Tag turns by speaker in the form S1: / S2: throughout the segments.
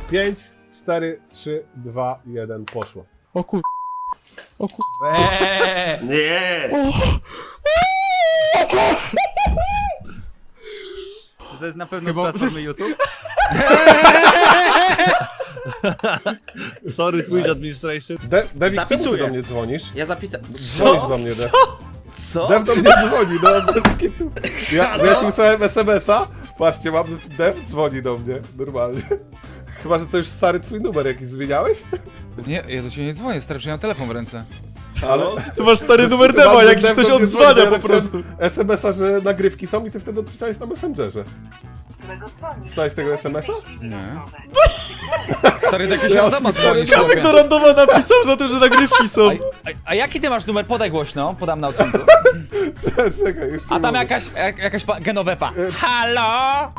S1: 5, 4, 3, 2, 1, poszło.
S2: O kur... O kur...
S3: Jest!
S4: Czy to jest na pewno z platformy YouTube?
S5: Sorry, Twitch Administration.
S1: Dewik, czemu ty
S3: Zapisuję.
S1: do mnie dzwonisz?
S3: Ja zapisałem.
S1: Dzwonisz do mnie, Dev.
S3: Co?
S1: Dev do mnie dzwoni, no bez kitu. Ja ci wysłałem SMS-a. Patrzcie, mam, że Dev dzwoni do mnie, normalnie. Chyba, że to już stary twój numer jakiś zmieniałeś?
S2: Nie, ja do ciebie nie dzwonię, stary, przecież ja mam telefon w ręce.
S1: Ale...
S6: Tu masz stary numer
S1: Chyba,
S6: Deva,
S1: że
S6: jak ci
S1: Dev
S6: ktoś
S1: do mnie dzwoni,
S6: odzwania
S1: to ja
S6: po
S1: napisałem
S6: prostu.
S1: SMS-a, że nagrywki są i ty wtedy odpisałeś na Messengerze. Dostałeś tego SMS-a?
S2: Nie. Stary, jakieś
S1: Ja
S2: randoma dzwonić,
S6: Kamek
S2: chłopie.
S6: do randoma napisał za tym, że nagrywki są.
S2: A jaki ty masz numer? Podaj głośno, podam na odcinku.
S1: Czekaj, już ci
S2: A tam
S1: mówię.
S2: jakaś genowepa. Halo?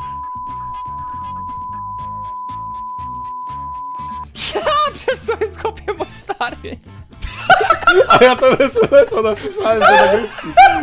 S2: Ja, przecież to jest chłopie mój stary.
S1: A ja tam SMS-a napisałem, że nagrywki.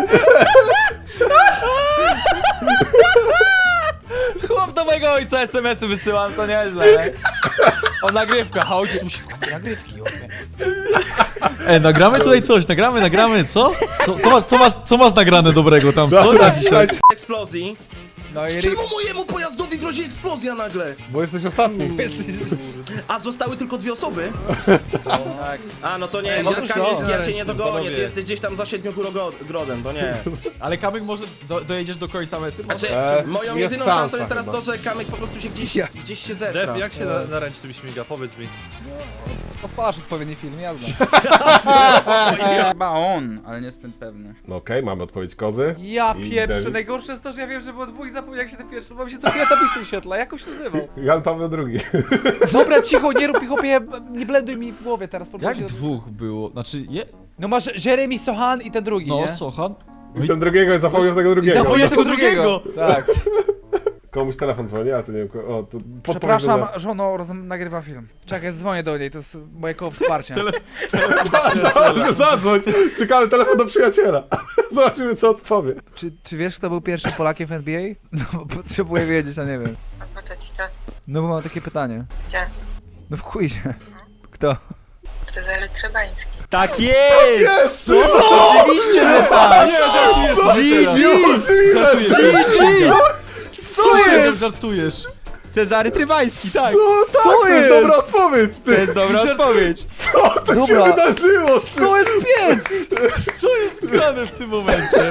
S2: Chłop do mojego ojca SMS-y wysyłam, to nieźle. O nagrywka, a ojciec musi kupić nagrywki, chłopie.
S6: Nagramy tutaj coś, nagramy, co? Co masz nagrane dobrego tam, co na dzisiaj?
S3: Eksplozji.
S2: No i
S3: Czemu mojemu pojazdowi grozi eksplozja nagle?
S1: Bo jesteś ostatni.
S3: A zostały tylko 2 osoby?
S2: tak.
S3: A, no to nie,
S2: możesz
S3: ja, Kamiński, ja cię
S5: panowie.
S3: nie dogonię, ty jesteś gdzieś tam za Siedmiogrodem, to nie.
S6: Ale Kamek może dojedziesz do końca mety?
S3: Znaczy, moją
S1: jest
S3: jedyną
S1: szansa
S3: szansą jest teraz
S1: chyba.
S3: to, że Kamek po prostu się gdzieś się zesra.
S5: Dev, jak się na ręcznym śmiga? Powiedz mi.
S2: Odpalasz odpowiedni film, jazda. Chyba on, ale nie jestem pewny.
S1: No okej, mamy odpowiedź kozy.
S2: Ja
S1: I
S2: pieprzę,
S1: Dev.
S2: najgorsze jest to, że ja wiem, że było dwóch i zapomniałem jak się ten pierwszy, bo mi się co chwilę tablicy wyświetla, jak on się nazywał?
S1: Jan Paweł II.
S2: Dobra, cicho, nie rób mi chłopie, nie blenduj mi w głowie teraz.
S6: Jak dwóch było? Znaczy,
S2: No masz Jeremy Sohan i ten drugi, nie?
S6: no, Sochan.
S1: I ten drugiego, zapomniał tego drugiego.
S6: Zapomniałeś tego drugiego!
S2: Tak.
S1: Komuś telefon dzwoni, a to nie wiem, o, to
S2: Przepraszam, żono, nagrywam film. Czekaj, dzwonię do niej, to jest moje koło wsparcia.
S1: Dobrze, zadzwoń. Czekamy telefon do przyjaciela. Zobaczymy, co odpowie.
S2: Czy wiesz, kto był pierwszym Polakiem w NBA? No, bo potrzebuję wiedzieć, a nie wiem.
S7: A po co ci to?
S2: No bo mam takie pytanie.
S7: Gdzie?
S2: No w quizie. Kto?
S7: Cezary Trebański.
S4: Tak jest!
S6: Co? Oczywiście, że tak! Nie, żartujesz sobie teraz! Żartujesz sobie, przysięgam. Przysięgam, żartujesz!
S4: Cezary Trybański, tak!
S1: No tak, to jest dobra odpowiedź,
S4: To
S1: ty.
S4: jest dobra odpowiedź.
S1: Co to się
S2: Dobra.
S1: wydarzyło? Ty?
S2: To jest piec!
S6: Co jest grane w tym momencie?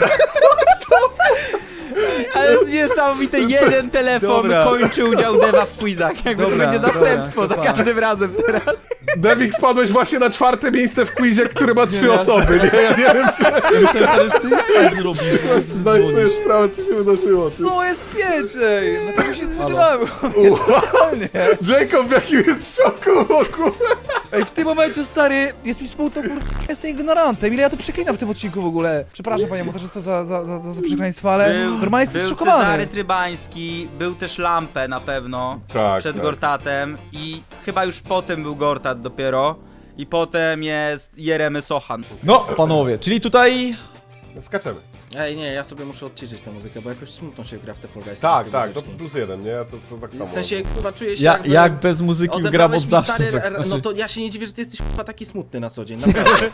S4: Ale jest niesamowite, jeden telefon
S2: Dobra.
S4: kończy udział Deva w quizach. Jakby
S2: Dobra,
S4: to będzie
S2: dobra,
S4: zastępstwo
S2: to
S4: za
S2: pan.
S4: każdym razem teraz.
S1: Devik, spadłeś właśnie na 4. miejsce w quizie, który ma 3 osoby. Nie, ja nie wiem, czy
S6: Ja myślałem, stary, że ty nie robisz, że ty
S1: zdajesz sobie
S6: dzwonisz.
S1: sprawę, co się wydarzyło. Ty.
S2: Co jest piec, ej? No tego się spodziewałem.
S1: Jacob w jakim jest szoku w ogóle.
S2: Ej, w tym momencie, stary, jest mi smutno, jestem ignorantem. Ile ja tu przeklinam w tym odcinku w ogóle? Przepraszam, panie montażysto, za przekleństwo, ale normalnie jestem
S4: był
S2: zszokowany.
S4: Cezary Trybański, był też Lampę na pewno
S1: Tak,
S4: przed
S1: tak.
S4: Gortatem i chyba już potem był Gortat dopiero i potem jest Jeremy Sochan.
S6: No, panowie, czyli tutaj...
S1: Skaczemy.
S3: Ej, nie, ja sobie muszę odciszyć tę muzykę, bo jakoś smutno się gra w te Fall Guysy.
S1: Tak,
S3: bez
S1: tak, to
S3: muzyczki.
S1: +1, nie? To tak samo.
S3: W sensie, kurwa, czuję się
S6: Jak bez muzyki gram
S3: odebrałeś
S6: od
S3: mi,
S6: zawsze.
S3: stary,
S6: tak,
S3: No
S6: znaczy-
S3: to ja się nie dziwię, że ty jesteś kurwa taki smutny na co dzień, naprawdę.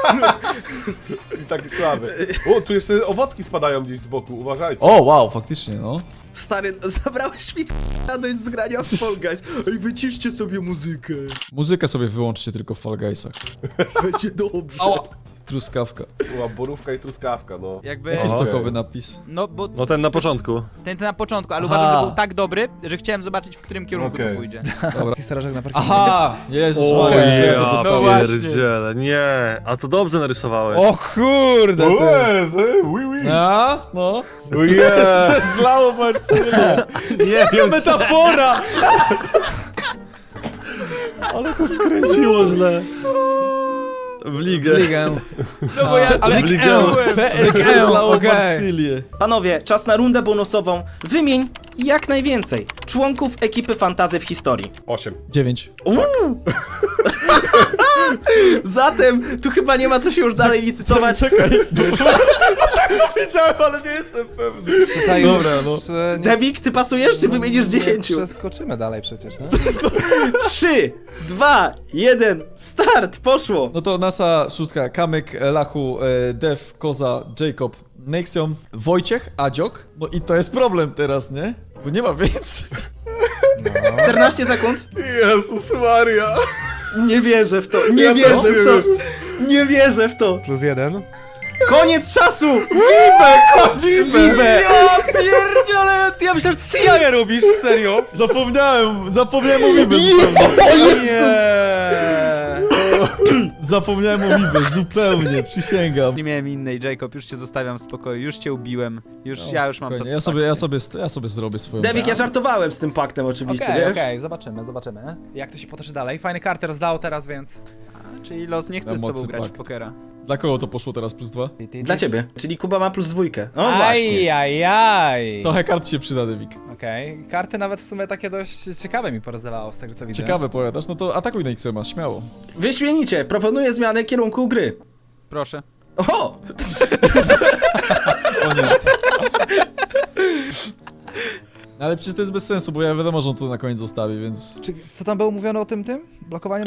S1: I taki słaby. O, tu jeszcze owocki spadają gdzieś z boku, uważajcie.
S6: O, wow, faktycznie, no.
S3: Stary, zabrałeś mi radość z grania w Fall Guys. Ej, wyciszcie sobie muzykę.
S6: Muzykę sobie wyłączcie tylko w Fall Guysach.
S3: Będzie dobrze.
S6: Truskawka.
S1: Była borówka i truskawka, no.
S4: Jakby,
S6: Jaki
S1: Okej.
S6: stokowy napis?
S4: no bo
S5: No ten na początku.
S4: ten na początku, ale
S6: Aha.
S4: uważam, że był tak dobry, że chciałem zobaczyć, w którym kierunku
S1: Okej.
S4: to pójdzie.
S2: Dobra, starażek na parkingu.
S6: Aha! Jezus
S5: O
S6: Maria, jak
S5: ja
S6: to
S4: No
S6: dostałem.
S4: właśnie.
S5: pierdziele, nie. A to dobrze narysowałeś.
S2: O kurde, ty.
S1: Łez, oui, oui.
S6: A, no.
S1: Yes.
S6: Że zlało Marcelo.
S5: Nie wiem,
S6: Metafora!
S5: ale to skręciło źle. W ligę.
S2: Ligę.
S4: No bo ja
S5: Ale w ligę.
S6: PS zlało
S2: okej.
S6: Marsylię.
S3: Panowie, czas na rundę bonusową. Wymień jak najwięcej członków ekipy fantazy w historii.
S1: 8.
S6: 9.
S3: Zatem tu chyba nie ma co się już dalej licytować.
S6: Czekaj. Tak powiedziałem, ale nie jestem pewny.
S2: Tutaj
S6: Dobra,
S2: już, nie-
S3: Devik, ty pasujesz, czy wymienisz 10?
S2: Nie przeskoczymy dalej przecież, nie?
S3: 3, 2, 1, start, poszło.
S6: No to nasza szóstka, Kamyk, Lachu, Dev, Koza, Jacob, Nexion, Wojciech, Adziok. No i to jest problem teraz, nie? Bo nie ma więcej.
S3: 14 sekund.
S1: Jezus Maria.
S3: Nie wierzę w to,
S1: Ja
S3: nie
S1: też
S3: wierzę
S1: nie
S3: w to. Nie wierzę w to.
S2: +1.
S3: Koniec czasu!
S1: Wibe!
S2: Ja pierdziele, ja myślałem, że ty jaja robisz, serio?
S6: Zapomniałem o Wibę zupełnie. Zapomniałem o Wibę, zupełnie, przysięgam.
S4: Nie miałem innej, Jacob, już cię zostawiam w spokoju, już cię ubiłem. Ja już mam
S6: Spokojnie,
S4: satysfakcję.
S6: ja sobie zrobię swoją.
S3: Devik, ja żartowałem z tym paktem oczywiście,
S2: Okej,
S3: wiesz?
S2: okej, zobaczymy. Jak to się potoczy dalej? Fajne karty rozdało teraz, więc...
S4: Czyli los nie chce
S6: Na
S4: z tobą
S6: mocy
S4: grać w
S6: pakt.
S4: pokera.
S6: Dla kogo to poszło teraz +2?
S3: Dla ciebie, czyli Kuba ma +2. No właśnie.
S2: Ajajaj.
S6: Trochę kart się przyda, Devik.
S2: Okej, karty nawet w sumie takie dość ciekawe mi porozdawało z tego co widzę.
S6: Ciekawe powiadasz, no to atakuj Nexioma, śmiało.
S3: Wyśmienicie, proponuję zmianę kierunku gry.
S4: Proszę.
S3: O!
S6: Ale przecież to jest bez sensu, bo ja wiadomo, że on to na koniec zostawi, więc
S2: Czy, co tam było mówione o tym? Blokowaniu?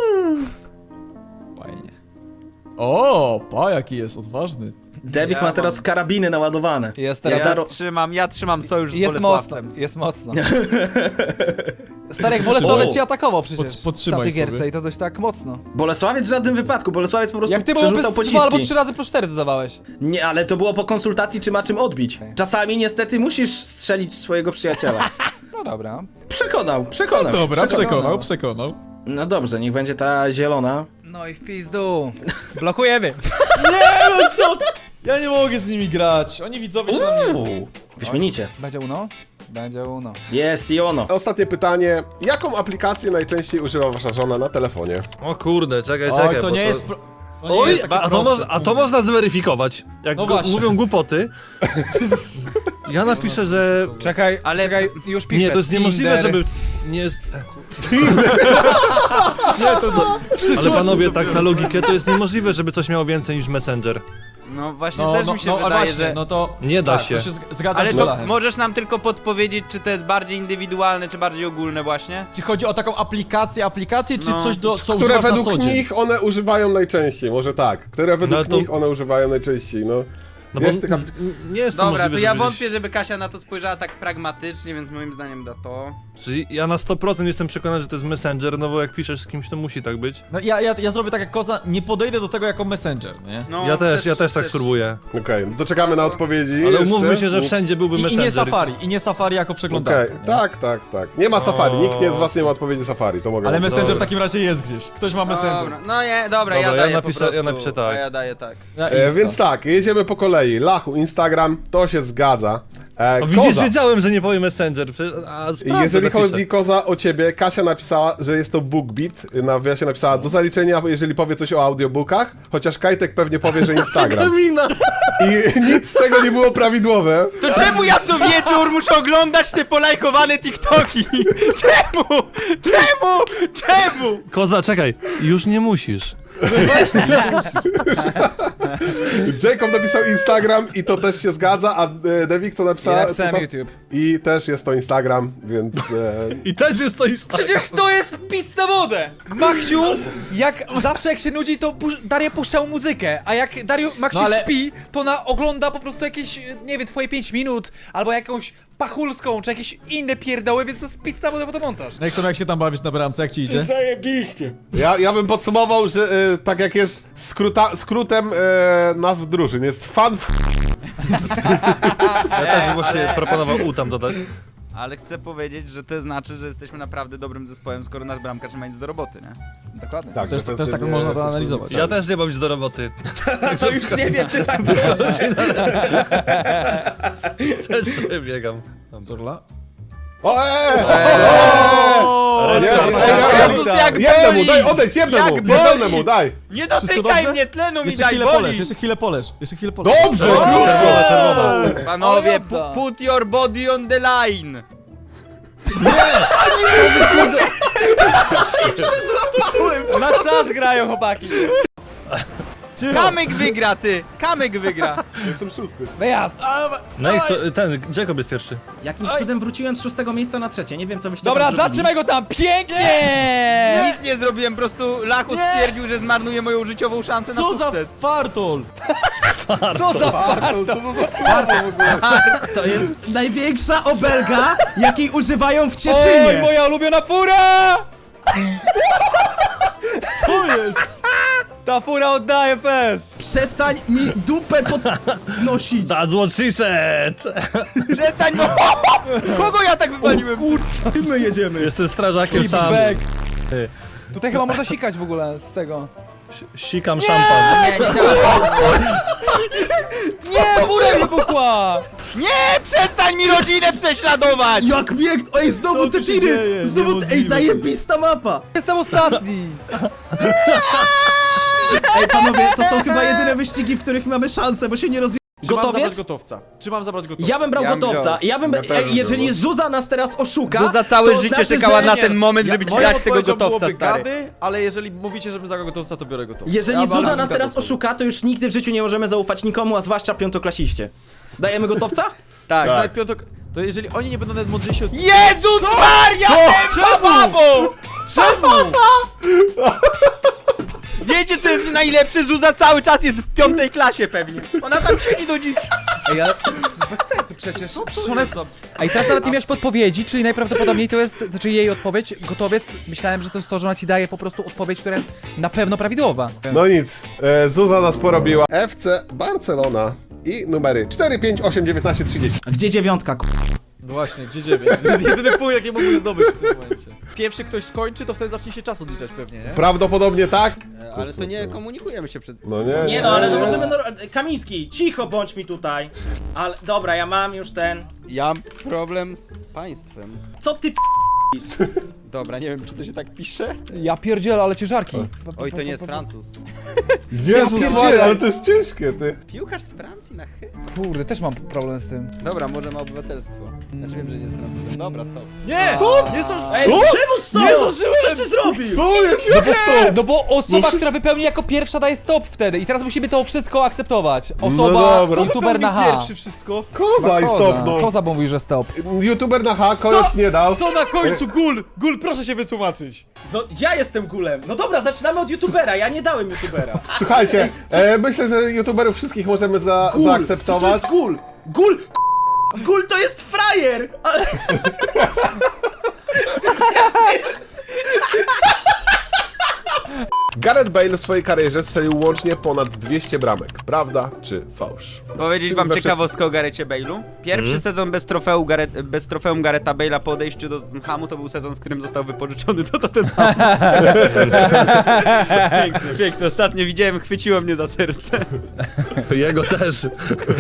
S6: fajnie. O, jaki jest odważny.
S3: Devik
S4: Ja
S3: ma teraz
S4: mam-
S3: karabiny naładowane.
S2: Jest
S3: Ja
S2: teraz...
S3: zaro-
S4: Ja trzymam sojusz z
S2: Jest mocno,
S4: Bolesławcem.
S2: jest mocno. Stary, jak Bolesławiec cię atakował przecież
S6: podtrzymaj
S2: w tamtej
S6: sobie.
S2: gierce i to dość tak mocno.
S3: Bolesławiec w żadnym wypadku, Bolesławiec po prostu
S2: Jak ty mu
S3: przerzucał
S2: 2 albo
S3: pociski.
S2: 3 razy +4 dodawałeś.
S3: Nie, ale to było po konsultacji, czy ma czym odbić. Czasami niestety musisz strzelić swojego przyjaciela.
S2: No dobra.
S3: Przekonał.
S6: Dobra, przekonał.
S3: No dobrze, niech będzie ta zielona.
S2: No i w pizdu. Blokujemy.
S6: Nie, no co? Ja nie mogę z nimi grać, oni widzowie się na mnie...
S3: Wyśmienicie.
S2: Będzie Uno? Będzie Uno.
S3: Jest i ono.
S1: Ostatnie pytanie. Jaką aplikację najczęściej używa wasza żona na telefonie?
S5: O kurde, czekaj.
S6: Oj,
S5: bo
S6: to nie jest... To nie
S5: Oj,
S6: jest takie proste.
S5: a to można zweryfikować. Jak
S6: No właśnie.
S5: mówią głupoty, ja napiszę, że...
S2: Czekaj, czekaj, już piszę.
S5: Nie, to jest niemożliwe,
S2: Tinder.
S5: żeby... Nie jest...
S6: Nie, to
S5: Ale panowie, tak na logikę, to jest niemożliwe, żeby coś miało więcej niż Messenger.
S4: No właśnie
S6: No,
S4: też
S6: no,
S4: mi się
S6: no,
S4: wydaje,
S6: ale właśnie,
S4: że...
S6: no to...
S5: Nie da
S6: tak,
S5: się.
S6: To się zgadzam
S4: Ale
S6: z
S4: to
S6: Lachem.
S4: możesz nam tylko podpowiedzieć, czy to jest bardziej indywidualne, czy bardziej ogólne właśnie?
S6: Czy chodzi o taką aplikację, czy
S4: No.
S6: coś, co
S1: Które
S6: używasz na co
S1: według
S6: dzień?
S1: nich one używają najczęściej, może tak. Które według
S5: No to-
S1: nich one używają najczęściej, no.
S5: No bo
S1: Jest taka...
S5: nie jest to
S4: Dobra,
S5: możliwe,
S4: to ja
S5: żeby
S4: wątpię, żeby Kasia na to spojrzała tak pragmatycznie, więc moim zdaniem da to.
S5: Czyli ja na 100% jestem przekonany, że to jest Messenger, no bo jak piszesz z kimś, to musi tak być.
S6: No ja zrobię tak jak Koza, nie podejdę do tego jako messenger, nie?
S4: No,
S5: Ja też tak spróbuję.
S1: Okej, to czekamy na odpowiedzi.
S5: Ale
S1: jeszcze.
S5: umówmy się, że wszędzie byłby
S6: I
S5: Messenger.
S6: nie Safari jako
S1: Okej,
S6: przeglądarka, nie?
S1: tak. Nie ma Safari, nikt nie z was nie ma odpowiedzi Safari, to mogę
S6: Ale
S1: wam
S6: Messenger w
S1: powiedzieć.
S6: takim razie jest gdzieś. Ktoś ma Messenger.
S4: Dobra, no nie, dobra,
S5: Dobra,
S4: ja
S5: ja
S4: daję
S5: napiszę-
S4: po prostu,
S5: ja napiszę tak.
S4: A ja daję tak.
S6: Ja Insta.
S1: Więc tak, jedziemy po kolei. Lachu, Instagram, to się zgadza.
S5: No widzisz,
S1: Koza.
S5: wiedziałem, że nie powie Messenger.
S1: Jeżeli
S5: napiszę.
S1: chodzi Koza o ciebie, Kasia napisała, że jest to BookBeat. Na wywiadzie napisała do zaliczenia, jeżeli powie coś o audiobookach, chociaż Kajtek pewnie powie, że Instagram.
S5: Kamina!
S1: I nic z tego nie było prawidłowe.
S4: To czemu ja co wieczór muszę oglądać te polajkowane TikToki? Czemu?
S5: Koza, czekaj, już nie musisz.
S1: Jacob napisał Instagram i to też się zgadza, a Devik co
S2: Ja
S1: napisała?
S2: napisałem
S1: co to?
S2: YouTube.
S1: I też jest to Instagram, więc...
S5: I też jest to Instagram.
S2: Przecież to jest pic na wodę! Maksiu, jak zawsze jak się nudzi, to Daria puszczał muzykę, a jak Maksiu
S6: No ale-
S2: śpi, to ogląda po prostu jakieś, nie wiem, twoje 5 minut, albo jakąś pachulską, czy jakieś inne pierdoły, więc to jest pic na wodę fotomontaż.
S6: Nexon, jak się tam bawisz na bramce, jak ci idzie?
S1: Ja bym podsumował, że tak jak jest skrótem nazw drużyn, jest fan.
S5: Ja też bym właśnie proponował U tam dodać.
S4: Ale chcę powiedzieć, że to znaczy, że jesteśmy naprawdę dobrym zespołem, skoro nasz bramkarz nie ma nic do roboty, nie?
S2: Dokładnie.
S1: Tak,
S6: Też tak można to analizować.
S5: Ja też nie mam nic do roboty.
S3: To już nie wiem, czy tak było.
S5: Też sobie biegam.
S6: Zorla?
S1: O,
S4: Jezus, jak
S1: jednemu,
S4: boli!
S1: daj, odejdź, jednemu,
S4: Jak boli!
S1: jednemu, daj.
S4: Nie
S6: Wszystko
S4: dotykaj
S6: dobrze?
S4: mnie, tlenu mi
S6: Jeszcze
S4: daj,
S6: chwilę
S4: boli!
S6: poleż, jeszcze chwilę poleż.
S1: Dobrze!
S4: Panowie,
S2: jazda.
S4: put your body on the line!
S3: Jeszcze złapałem!
S2: Na czas grają chłopaki.
S6: Cicho.
S4: Kamyk wygra, ty! Kamyk wygra!
S1: Jestem szósty.
S2: Wyjazd.
S5: No i co, ten, Jacob jest pierwszy.
S3: Jakimś cudem wróciłem z 6 miejsca na 3. Nie wiem, co byście
S2: Dobra,
S3: tam zrobili.
S2: zatrzymaj go tam, pięknie!
S4: Nic nie zrobiłem, po prostu Lachu
S6: Nie.
S4: stwierdził, że zmarnuje moją życiową szansę na
S6: Co za
S4: sukces.
S6: fartol!
S2: Co za
S1: Bartol, co to za słowo w ogóle?
S3: To jest największa obelga, jakiej używają w
S2: Oj,
S3: Cieszynie.
S2: moja ulubiona fura!
S6: Co jest?
S2: Ta fura oddaje fest!
S3: Przestań mi dupę podnosić.
S5: That's what she said!
S4: Przestań, bo... Kogo ja tak wywaliłem?
S3: My jedziemy.
S5: Jestem strażakiem sam.
S2: Back. Tutaj chyba można sikać w ogóle z tego.
S5: Sikam szampan.
S4: Nie, nie działa.
S2: Nie, fura wybuchła!
S4: Nie, przestań mi rodzinę prześladować!
S3: Jak bieg... Ej,
S6: Co
S3: znowu
S6: tu
S3: te
S6: się
S3: tiry!
S6: dzieje?
S3: Znowu... Ej,
S6: Niemożliwe.
S3: zajebista mapa!
S2: Jestem ostatni!
S3: Ej, panowie, to są chyba jedyne wyścigi, w których mamy szansę, bo się nie rozje...
S6: Czy mam zabrać
S3: Gotowiec?
S6: gotowca? Czy mam zabrać gotowca?
S3: Ja bym brał
S4: Ja bym
S3: gotowca.
S4: wziął.
S3: Ja bym...
S1: Ja też
S3: Ej,
S1: bym
S3: jeżeli
S1: wziął.
S3: Zuza nas teraz oszuka...
S4: Zuza całe
S3: to
S4: życie
S3: znaczy,
S4: czekała
S3: że...
S4: na ten moment, żeby ci
S6: moją
S4: dać tego
S6: odpowiedzią
S4: gotowca,
S6: byłoby
S4: stary.
S6: gady, ale jeżeli mówicie, żebym zagrał gotowca, to biorę gotowca.
S3: Jeżeli
S6: Ja
S3: Zuza
S6: balam
S3: nas teraz
S6: gotowca.
S3: oszuka, to już nigdy w życiu nie możemy zaufać nikomu, a zwłaszcza piątoklasiście. Dajemy gotowca?
S4: Tak.
S6: Nawet piątok... To jeżeli oni nie będą nawet mądrzejsi od...
S4: Jezus Maria!
S6: Czemu?
S4: Babo!
S6: Czemu?
S4: Wiecie co jest najlepsze? Zuza cały czas jest w 5. klasie pewnie. Ona tam siedzi do dziś.
S2: Ej, ale to jest bez sensu przecież.
S6: Co
S2: Przecież
S6: to
S2: ona
S6: jest za...
S2: A i teraz nawet nie miałeś podpowiedzi, czyli najprawdopodobniej to jest, znaczy jej odpowiedź, gotowiec, myślałem, że to jest to, że ona ci daje po prostu odpowiedź, która jest na pewno prawidłowa.
S1: No nic, Zuza nas porobiła. FC Barcelona i numery 4, 5, 8, 19, 30.
S3: A gdzie dziewiątka,
S6: No właśnie, gdzie 9? To jest jedyny punkt, jaki mógłbym zdobyć w tym momencie. Pierwszy ktoś skończy, to wtedy zacznie się czas odliczać pewnie, nie?
S1: Prawdopodobnie tak?
S4: Ale to nie komunikujemy się przed...
S1: No nie,
S8: Nie no, ale no możemy... Kamiński, cicho bądź mi tutaj. Ale dobra, ja mam już ten...
S4: Ja mam problem z państwem.
S8: Co ty
S4: Dobra, nie wiem czy to się tak pisze.
S2: Ja pierdzielę, ale ciężarki.
S4: Oj, to nie jest Francuz.
S1: Jezus
S2: Ja
S1: Maria,
S2: pierdzielę.
S1: ale to jest ciężkie, ty.
S4: Piłkarz z Francji na chy...
S2: Kurde, też mam problem z tym.
S4: Dobra, może ma obywatelstwo. Znaczy wiem, że nie jest Francuzem. Dobra, stop.
S6: Nie! Stop! Nie zdążyłem!
S8: Ej, czemu stop?
S6: Nie zdążyłem!
S8: Coś ty zrobił?
S1: Co jest? Jak stop?
S2: No bo osoba,
S1: No
S2: która wypełni jako pierwsza daje stop wtedy i teraz musimy to wszystko akceptować.
S1: No
S2: Osoba,
S1: dobra.
S2: youtuber na H.
S6: Pierwszy wszystko.
S1: Koza i stop, no.
S2: Koza mówi, że stop.
S1: YouTuber na H, kogoś nie dał.
S6: To na końcu, Gul! Gul, proszę się wytłumaczyć.
S8: No ja jestem gulem. No dobra, zaczynamy od youtubera, ja nie dałem youtubera.
S1: Słuchajcie, myślę, że YouTuberów wszystkich możemy
S8: Gul,
S1: zaakceptować.
S8: Co to jest gul? Gul! Gul to jest frajer! Ale...
S1: Gareth Bale w swojej karierze strzelił łącznie ponad 200 bramek. Prawda czy fałsz?
S4: Powiedzieć wam
S1: We
S4: ciekawostkę o Garethie Bale'u? Pierwszy sezon bez trofeum Garetha Bale'a po odejściu do Tottenhamu to był sezon, w którym został wypożyczony do Tottenhamu. Piękne, piękne. Ostatnio widziałem, chwyciło mnie za serce.
S5: Jego też.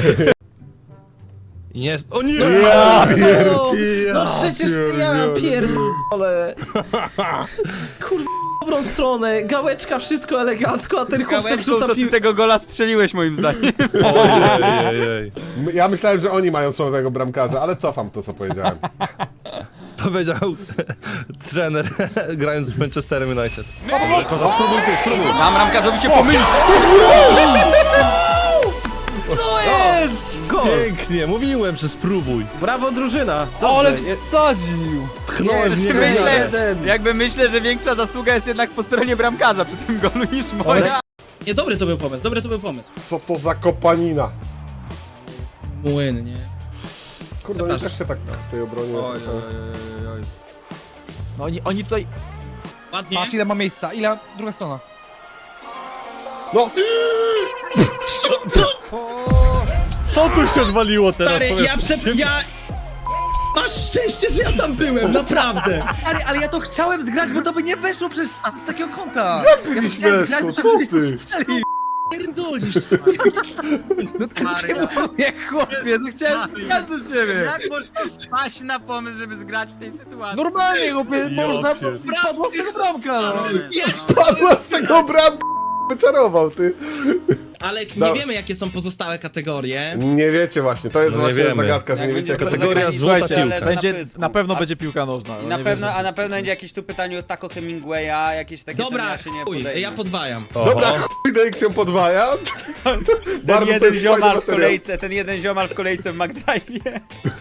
S5: Jest. O nie!
S1: Ja
S3: No przecież ja pierdolę. Kurwa, dobrą stronę, gałeczka, wszystko elegancko, a ten chłop se
S4: Gałeczką
S3: wrzuca
S4: to ty
S3: piłkę.
S4: tego gola strzeliłeś moim zdaniem.
S5: Ojej.
S1: Ja myślałem, że oni mają słabego bramkarza, ale cofam to, co powiedziałem.
S5: Powiedział trener grając w Manchesterem United. Dobrze, Koza, spróbuj ty, spróbuj.
S4: Mam ramkarzowi się pomylić.
S2: Co jest?
S3: Gol!
S5: Pięknie, mówiłem, że spróbuj.
S3: Brawo drużyna!
S2: O, ale
S3: Dobrze,
S2: wsadził!
S5: Tchnąłem w niego.
S4: Myślę, że większa zasługa jest jednak po stronie bramkarza przy tym golu niż moja.
S8: Nie, dobry to był pomysł, dobry to był pomysł.
S1: Co to za kopanina?
S8: Młyn, nie?
S1: Kurde, oni też się tak w tej obronie...
S6: No oni tutaj...
S8: Ładnie.
S2: Patrz ile ma miejsca, ile druga strona.
S1: No!
S5: Co tu się odwaliło teraz?
S8: Stary,
S5: Powiedz.
S8: ja... Masz szczęście, że ja tam byłem, naprawdę.
S2: Ale ja to chciałem zgrać, bo to by nie weszło przez z takiego kąta.
S1: Nie śmieszno, co ty?
S8: Pierdolisz.
S2: No to mówię, chłopie, no chciałem zgrać do ciebie.
S4: Jak można wpaść na pomysł, żeby zgrać w tej sytuacji?
S2: Normalnie, chłopie, można
S5: pier-
S2: padło z tego bramka, no.
S1: Padła z tego bramka! Wyczarował, ty.
S3: ale
S1: No.
S3: nie wiemy jakie są pozostałe kategorie.
S1: Nie wiecie właśnie, to jest
S5: No nie
S1: właśnie
S5: wiemy.
S1: zagadka, że nie
S4: Jak
S1: wiecie jak
S4: będzie
S5: Kategoria
S4: Słuchajcie,
S5: złota
S6: Słuchajcie,
S5: piłka.
S6: będzie,
S4: pysku.
S6: na pewno
S4: A-
S6: będzie piłka nożna.
S4: I
S6: no
S4: na
S6: nie
S4: pewno,
S6: wierzę.
S4: a na pewno będzie jakieś tu pytanie o Taco Hemingwaya, jakieś takie
S3: Dobra,
S4: ja się nie
S3: chuj,
S4: podejmę.
S3: ja podwajam.
S1: Dobra, chuj Dex ją podwaja.
S4: Ten
S1: Bardzo to
S4: jeden
S1: jest
S4: ziomal
S1: fajny
S4: w
S1: materiał.
S4: kolejce, ten jeden ziomal w kolejce w McDrive'ie.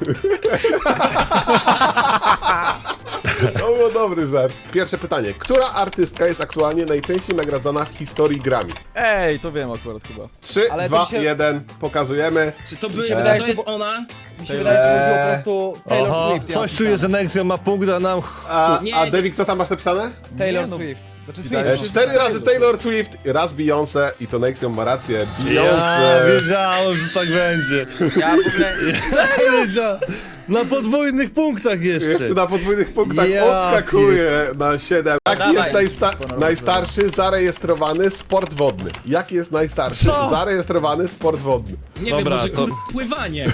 S1: To był dobry żart. Pierwsze pytanie. Która artystka jest aktualnie najczęściej nagradzana w historii Grammy?
S6: Ej, to wiem akurat chyba.
S1: 3,
S2: Ale to
S1: 2,
S2: mi się-
S1: 1. Pokazujemy.
S3: Czy to,
S2: wydaje,
S3: czy to
S2: że
S3: jest
S2: to
S3: ona?
S2: Mi się wydaje, że mówił po prostu Taylor
S5: Oho,
S2: Swift. ja
S5: coś
S2: mam
S5: czuję, że
S2: napisane.
S5: Nexion ma punkt, a nam...
S1: A
S3: Nie,
S1: Devik, co tam masz napisane?
S2: Taylor
S6: Nie, no.
S2: Swift. Znaczy
S6: Wydaje
S2: Swift.
S6: się,
S1: 4 razy Taylor Swift, raz Beyoncé i to Nexion ma rację.
S5: Ja
S1: Beyoncé.
S5: wiedziałem, że tak będzie.
S4: Ja w ogóle...
S5: Wiedziałem. Na podwójnych punktach jeszcze.
S1: Jeszcze na podwójnych punktach
S5: Ja
S1: odskakuje na 7. Jaki
S4: Dawaj.
S1: jest najstarszy zarejestrowany sport wodny? Jaki jest najstarszy
S5: Co?
S1: zarejestrowany sport wodny?
S3: Nie
S5: Dobra,
S3: wiem, może
S5: to-
S3: pływanie.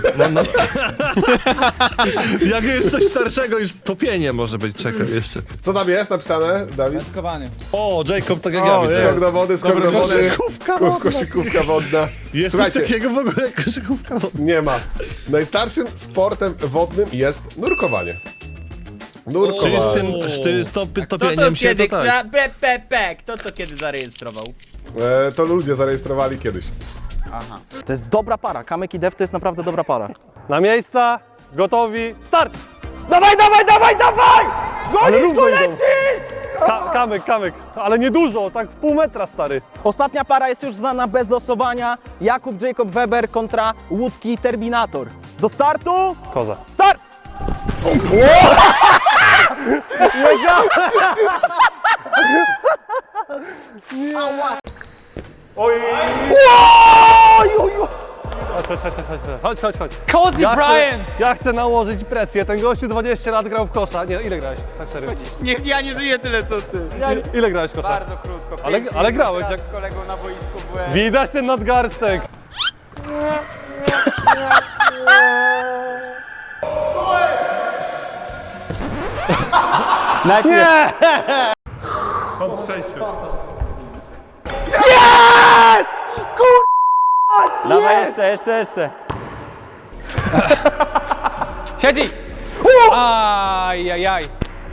S5: Jak jest coś starszego, już topienie może być. Czekaj, jeszcze.
S1: Co tam jest napisane, Dawid?
S2: Wędkowanie.
S5: O, Jacob, tak jak ja widzę.
S1: Skok do wody, skok do wody.
S5: Koszykówka wodna.
S1: Koszykówka wodna.
S5: Jest coś
S1: Słuchajcie,
S5: takiego w ogóle jak koszykówka wodna.
S1: nie ma. Najstarszym sportem wodnym jest nurkowanie.
S5: Czyli
S1: Nurkowanie.
S5: z tym
S4: Kto to
S5: topieniem się
S4: kiedy...
S5: to tak.
S4: Kto to kiedy zarejestrował?
S1: To ludzie zarejestrowali kiedyś.
S9: To jest dobra para. Kamek i Dev to jest naprawdę dobra para.
S10: Na miejsca, gotowi, start! Dawaj, dawaj, dawaj, dawaj! Gonisz, tu lecisz! Kamek, ale nie dużo, tak pół metra, stary.
S9: Ostatnia para jest już znana bez losowania. Jakub Jacob Weber kontra łódzki Terminator. Do startu!
S10: Koza.
S9: Start!
S10: Chodź.
S2: Cozy Brian!
S10: Ja chcę nałożyć presję, ten gościu 20 lat grał w kosza. Nie, ile grałeś? Tak serio.
S4: Nie, ja nie żyję tyle co ty.
S10: Ile grałeś w kosza?
S4: Bardzo krótko.
S10: Ale-
S4: 5
S10: ale
S4: minut
S10: grałeś,
S4: raz
S10: jak-
S4: z kolegą na boisku byłem.
S10: Widać ten nadgarstek.
S9: Najpierw. Dawaj jeszcze.
S2: Siedzi! Ajajaj.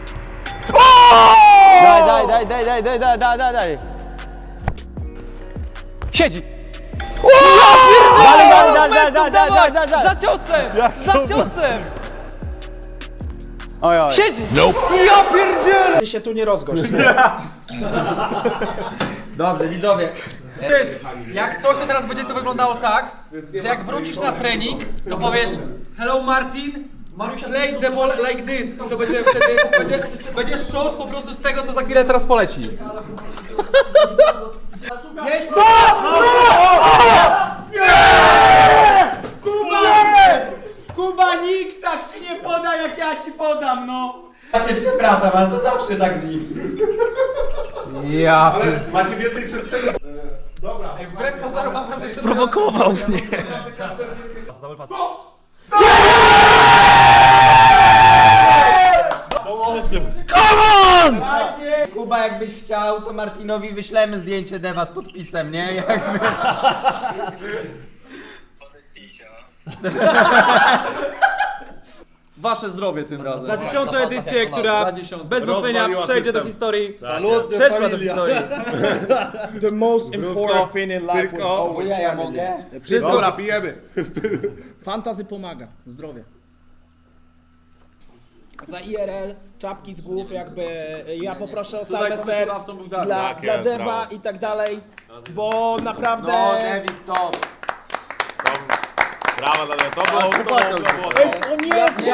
S9: Daj.
S2: Siedzi!
S9: Daj.
S2: Za ciosem! Za ciosem!
S9: Oj.
S2: Siedzi! Ja pierdzielę!
S8: Ty się tu nie rozgość.
S4: Dobrze, widzowie.
S2: Wiesz, jak coś to teraz będzie to wyglądało tak, że jak wrócisz na trening, to powiesz hello Martin, play the ball like this. I to będzie wtedy, będzie shot po prostu z tego, co za chwilę teraz poleci.
S8: Kuba, nikt tak ci nie poda, jak ja ci podam, no!
S4: Ja cię przepraszam, ale to zawsze tak z nim.
S2: Ja
S1: Ale macie więcej przestrzeni.
S2: wbrew pozorom mam wrażenie, że
S3: Prowokował mnie.
S4: Kuba, jakbyś chciał, to Martinowi wyślemy zdjęcie Dewa z podpisem, nie? Jakby...
S9: Wasze zdrowie tym razem.
S2: Za 10. edycję, która bez wątpienia przejdzie do historii. Salut, przeszła do historii.
S8: The most important thing in life was always
S4: Ja
S8: family.
S4: mogę?
S8: Wszystko,
S1: Dobra, pijemy.
S8: fantazy pomaga, zdrowie. Za IRL, czapki z głów, jakby ja poproszę o salwę serc dla Dewa i tak dalej, bo naprawdę...
S4: No, Devik, top.
S8: Ej, o nie!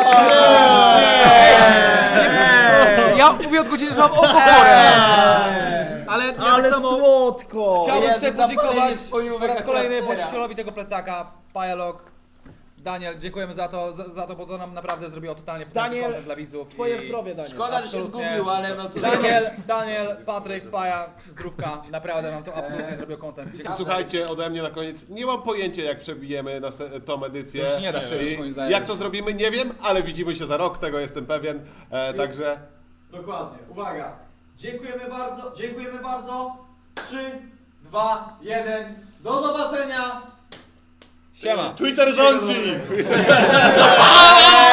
S2: Ja mówię od godziny, że mam oko chore. Ale ja
S8: Ale
S2: tak samo
S8: słodko!
S2: chciałbym
S4: Jezu,
S2: tutaj
S4: zapalenie
S2: podziękować
S4: spojówek
S2: po raz
S4: akurat
S2: kolejny
S4: teraz.
S2: właścicielowi tego plecaka, Pajalok. Daniel, dziękujemy za to, bo to nam naprawdę zrobiło totalnie
S8: Daniel,
S2: content dla widzów.
S8: Twoje
S2: I
S8: zdrowie, Daniel.
S4: Szkoda, że się
S2: absolutnie.
S4: zgubił, ale no co
S2: Daniel, Patryk, Paja, zdrówka, naprawdę nam to absolutnie zrobił content. Ciekawe.
S1: Słuchajcie, ode mnie na koniec. Nie mam pojęcia, jak przebijemy tą edycję.
S2: To się nie da przebić, moim zdaniem.
S1: Jak to zrobimy, nie wiem, ale widzimy się za rok, tego jestem pewien. Także
S2: Dokładnie, uwaga. Dziękujemy bardzo. 3, 2, 1, Do zobaczenia!
S8: Siema.
S10: Twitter rządzi!